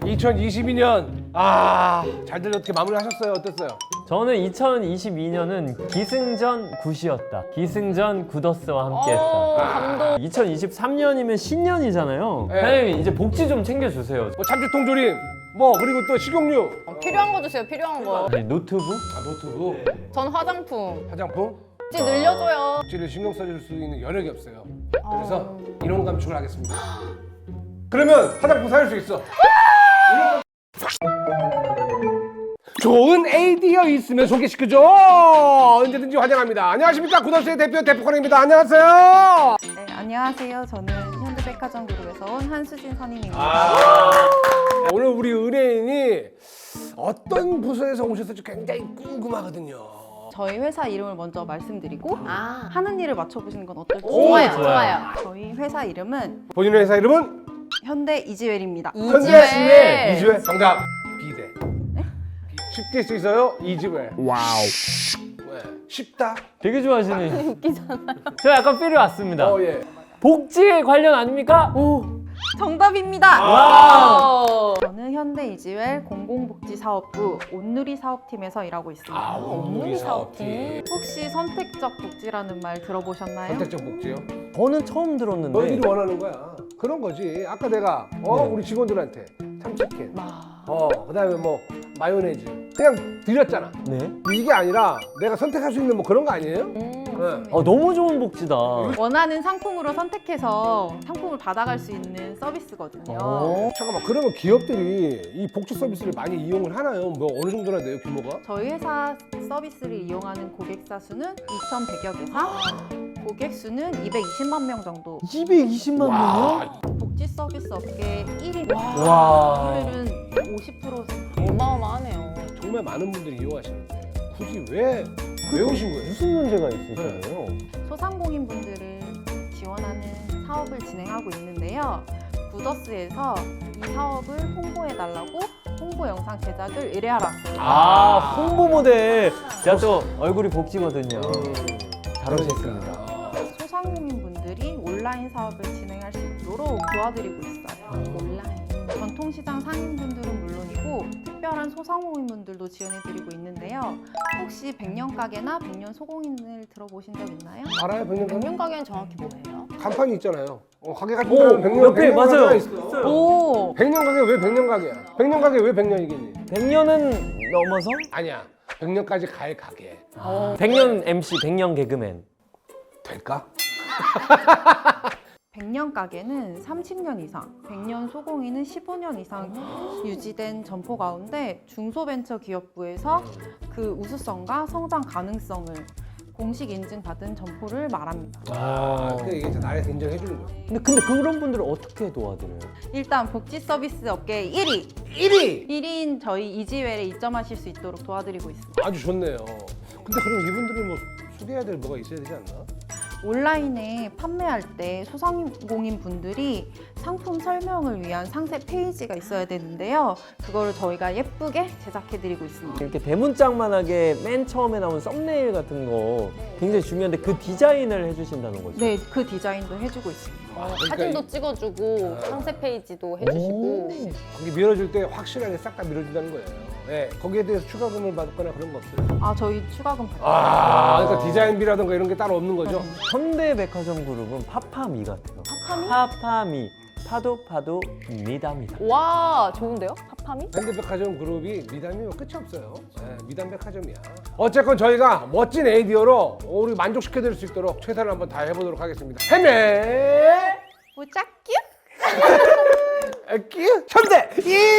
2022년 잘들 어떻게 마무리하셨어요? 어땠어요? 저는 2022년은 기승전 굿이었다. 기승전 굿어스와 함께했다. 감동. 2023년이면 신년이잖아요. 네. 사장님 이제 복지 좀 챙겨주세요. 뭐 참치통조림, 뭐 그리고 또 식용유, 필요한 거 주세요. 필요한 거. 네, 노트북? 노트북, 전 화장품. 화장품. 복지 늘려줘요. 복지를 신경 써줄 수 있는 여력이 없어요. 그래서 인원 감축을 하겠습니다. 그러면 화장품 사줄 수 있어. 좋은 아이디어 있으면 소개시켜줘. 언제든지 환영합니다. 안녕하십니까, 굿어스의 대표 대표코너입니다. 안녕하세요. 네, 안녕하세요. 저는 현대백화점 그룹에서 온 한수진 선임입니다. 네, 오늘 우리 은혜인이 어떤 부서에서 오셨을지 굉장히 궁금하거든요. 저희 회사 이름을 먼저 말씀드리고 아. 하는 일을 맞춰보시는 건 어떨지. 좋아요. 좋아요. 좋아요. 저희 회사 이름은 본인의 회사 이름은 현대 이지웰입니다. 이지웰. 이지웰. 정답. 비대. 쉽게 수 있어요. 이지웰. 와우. 네. 쉽다. 되게 좋아하시네. 웃기잖아요. 저 약간 필요 왔습니다. 예. 복지 관련 아닙니까? 정답입니다. 와우. 저는 현대 이지웰 공공복지사업부 온누리 사업팀에서 일하고 있습니다. 온누리 사업팀. 혹시 선택적 복지라는 말 들어보셨나요? 선택적 복지요? 저는 처음 들었는데. 너희들이 원하는 거야. 그런 거지. 아까 내가 네. 우리 직원들한테 참치캔, 그다음에 뭐 마요네즈 그냥 드렸잖아. 네. 이게 아니라 내가 선택할 수 있는 뭐 그런 거 아니에요? 네. 너무 좋은 복지다. 원하는 상품으로 선택해서 상품을 받아갈 수 있는 서비스거든요. 잠깐만, 그러면 기업들이 이 복지 서비스를 많이 이용을 하나요? 뭐 어느 정도나 돼요, 규모가? 저희 회사 서비스를 이용하는 고객사 수는 2,100여 개사, 고객 수는 220만 명 정도. 220만 명이요? 복지 서비스 업계 1위. 와. 오늘은 50% 어마어마하네요. 정말 많은 분들이 이용하시는데 굳이 왜 오신 거예요? 무슨 문제가 있으신가요? 소상공인분들을 지원하는 사업을 진행하고 있는데요. 굿어스에서 이 사업을 홍보해달라고 홍보 영상 제작을 의뢰하러 왔습니다. 홍보 모델. 제가 또 얼굴이 복지거든요. 잘 오셨습니다. 소상공인분들이 온라인 사업을 진행할 수 있도록 도와드리고 있어요. 온라인. 전통시장 상인분들은 물론이고 특별한 소상공인분들도 지원해드리고 있는데요. 혹시 백년가게나 백년소공인을 들어보신 적 있나요? 알아요, 백년 가게? 백년 가게는 정확히 뭐예요? 간판이 있잖아요. 가게 같은 오, 데는 백년 옆에 맞아요. 가게가 있어. 오! 백년 가게 왜 백년 가게야? 백년 가게 왜 백년이겠니? 100년은 넘어서? 아니야. 백년까지 갈 가게. 100년 MC, 100년 개그맨. 될까? 백년 가게는 30년 이상, 백년 소공인은 15년 이상 유지된 점포 가운데 중소벤처기업부에서 그 우수성과 성장 가능성을 공식 인증받은 점포를 말합니다. 그러니까 이게 이제 나를 인정해 주는 거야. 근데 그런 분들을 어떻게 도와드려요? 일단 복지 서비스 업계 1위! 1위! 1위인 저희 이지웰에 입점하실 수 있도록 도와드리고 있습니다. 아주 좋네요. 근데 그럼 이분들은 뭐 소개해야 될 뭐가 있어야 되지 않나? 온라인에 판매할 때 소상공인 분들이 상품 설명을 위한 상세 페이지가 있어야 되는데요. 그거를 저희가 예쁘게 제작해드리고 있습니다. 이렇게 대문짝만하게 맨 처음에 나온 썸네일 같은 거 굉장히 중요한데 그 디자인을 해주신다는 거죠? 네, 그 디자인도 해주고 있습니다. 사진도 찍어주고 상세 페이지도 해주시고. 거기 밀어줄 때 확실하게 싹 다 밀어준다는 거예요. 네, 거기에 대해서 추가금을 받거나 그런 거 없어요? 아, 저희 추가금 받아요. 그러니까 디자인비라든가 이런 게 따로 없는 거죠? 현대백화점 그룹은 파파미 같아요. 파파미. 파도 미담이다. 와, 좋은데요? 파파미? 현대백화점 그룹이 미담이면 끝이 없어요. 네, 미담백화점이야. 어쨌건 저희가 멋진 아이디어로 우리 만족시켜드릴 수 있도록 최선을 한번 다 해보도록 하겠습니다. 헤매 무짝규? 끼 현대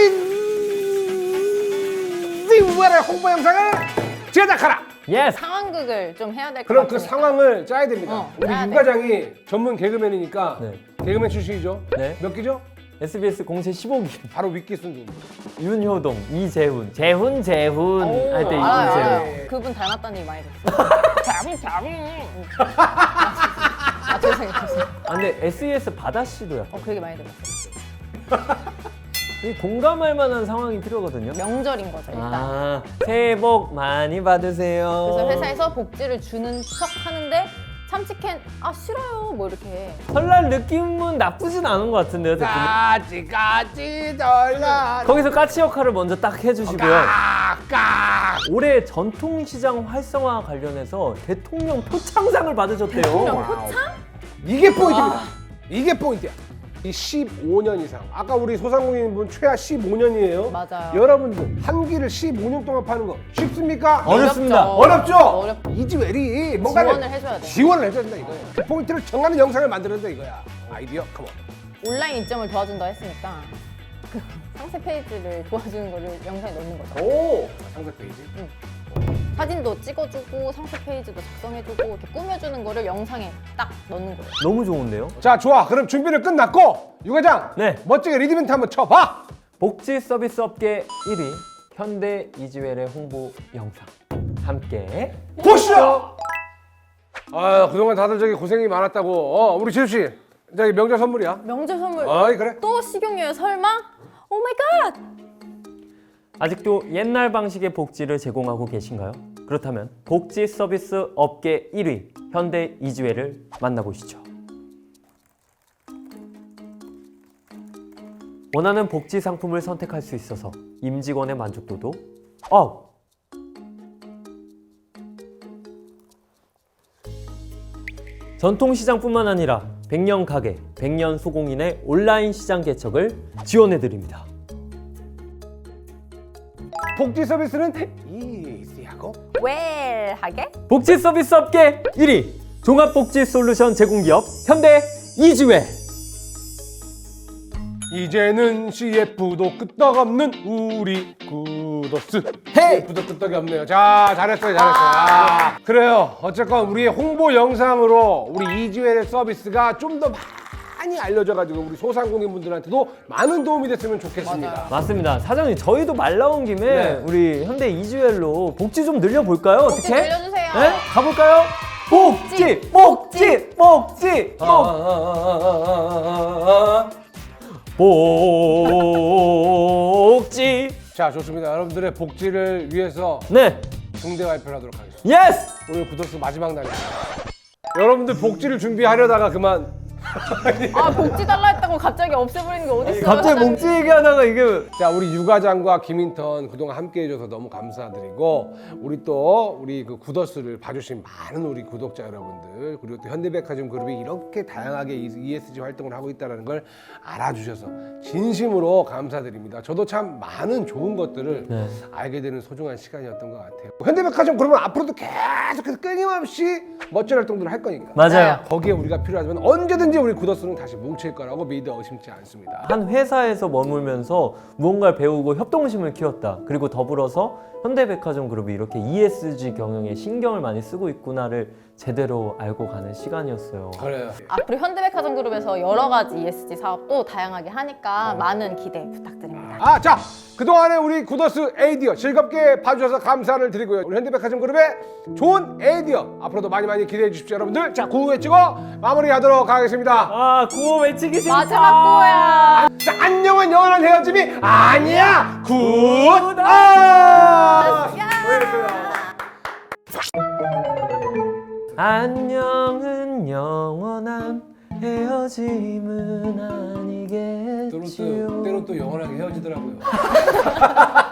인지웰의 홍보 영상을 제작하라. 예스! 상황극을 좀 해야 될 것 그럼 같으니까. 그 상황을 짜야 됩니다. 우리 짜야 유 돼. 과장이 전문 개그맨이니까 네. 개그맨 출신이죠. 네. 몇 기죠? SBS 공채 15기. 바로 윗기 순두. 윤효동, 이재훈. 재훈 할 때 알아요, 이재훈. 알아요. 그분 닮았다는 얘기 많이 들었어요. 자분. 죄송해요. 근데 SES 바다 씨도 약간 그 얘기 많이 들었어요. 공감할 만한 상황이 필요하거든요. 명절인 거죠, 일단. 새해 복 많이 받으세요. 그래서 회사에서 복지를 주는 척 하는데 참치캔 아 싫어요 뭐 이렇게 설날 느낌은 나쁘진 않은 것 같은데요, 대표님? 까치까치 설날 거기서 까치 역할을 먼저 딱 해주시고요. 깍깍 올해 전통시장 활성화 관련해서 대통령 표창상을 받으셨대요. 표창? 이게 포인트입니다. 이게 포인트야. 이 15년 이상. 아까 우리 소상공인분 최하 15년이에요. 맞아요. 여러분들 한 끼를 15년 동안 파는 거 쉽습니까? 어렵습니다. 어렵죠? 어렵죠. 이지웰이 뭔가를 지원을 해줘야 돼. 지원을 해줘야 된다 이거야. 그 포인트를 정하는 영상을 만들어야 된다 이거야. 아이디어 컴온. 온라인 입점을 도와준다 했으니까 그 상세 페이지를 도와주는 거를 영상에 넣는 거죠. 오 상세 페이지. 사진도 찍어주고 상세 페이지도 작성해주고 이렇게 꾸며주는 거를 영상에 딱 넣는 거예요. 너무 좋은데요? 자 좋아. 그럼 준비를 끝났고 유 과장. 네. 멋지게 리드멘트 한번 쳐봐. 복지 서비스 업계 1위 현대 이지웰의 홍보 영상 함께 보시죠. 아 그동안 다들 저기 고생이 많았다고. 우리 지수 씨. 저기 명절 선물이야. 명절 선물 어이 그래. 또 식용유예요 설마? 오 마이 갓! 아직도 옛날 방식의 복지를 제공하고 계신가요? 그렇다면 복지 서비스 업계 1위 현대 이지웰을 만나보시죠. 원하는 복지 상품을 선택할 수 있어서 임직원의 만족도도 업! 전통시장뿐만 아니라 100년 가게, 100년 소공인의 온라인 시장 개척을 지원해드립니다. 복지 서비스는 이시하고 웰하게? 복지 서비스 업계 1위 종합복지 솔루션 제공기업 현대 이지웰. 이제는 CF도 끄떡없는 우리 구더스. 헤이! CF도 끄떡이 없네요. 자 잘했어요 잘했어요. 그래요. 어쨌건 우리의 홍보 영상으로 우리 이지웰의 서비스가 좀 더 많이 알려져가지고 우리 소상공인분들한테도 많은 도움이 됐으면 좋겠습니다. 맞아요. 맞습니다. 사장님 저희도 말 나온 김에 네. 우리 현대 이지웰로 복지 좀 늘려볼까요? 복지 어떻게? 늘려주세요. 네? 가볼까요? 복지! 복지! 복지! 복지! 자 좋습니다. 여러분들의 복지를 위해서 네! 중대 발표를 하도록 하겠습니다. 예스! 오늘 구더스 마지막 날입니다. 여러분들 복지를 준비하려다가 그만. 아 복지 달라 했다고 갑자기 없애버리는 게 어딨어요? 갑자기 사장님. 복지 얘기하다가 이게 자 우리 유 과장과 김인턴 그동안 함께 해줘서 너무 감사드리고 우리 또 우리 그 구더스를 봐주신 많은 우리 구독자 여러분들 그리고 또 현대백화점 그룹이 이렇게 다양하게 ESG 활동을 하고 있다는 걸 알아주셔서 진심으로 감사드립니다. 저도 참 많은 좋은 것들을 네. 알게 되는 소중한 시간이었던 것 같아요. 현대백화점 그룹은 앞으로도 계속해서 끊임없이 멋진 활동들을 할 거니까 맞아요. 거기에 우리가 필요하지만 언제든지 우리 구더스는 다시 뭉칠 거라고 믿어 의심치 않습니다. 한 회사에서 머물면서 무언가를 배우고 협동심을 키웠다. 그리고 더불어서 현대백화점 그룹이 이렇게 ESG 경영에 신경을 많이 쓰고 있구나를 제대로 알고 가는 시간이었어요. 그래요. 앞으로 현대백화점 그룹에서 여러 가지 ESG 사업도 다양하게 하니까 많은 기대 부탁드립니다. 자 그동안에 우리 구더스 에이디어 즐겁게 봐주셔서 감사를 드리고요. 우리 현대백화점 그룹의 좋은 에이디어 앞으로도 많이 많이 기대해 주십시오 여러분들. 자 구호 외치고 마무리하도록 하겠습니다. 아, 구호 외치기 싫다. 마지막 거야. 자 안녕은 영원한 헤어짐이 아니야. 굿. 안녕은 영원한 헤어짐은 아니겠지요. 때론 또 영원하게 헤어지더라고요.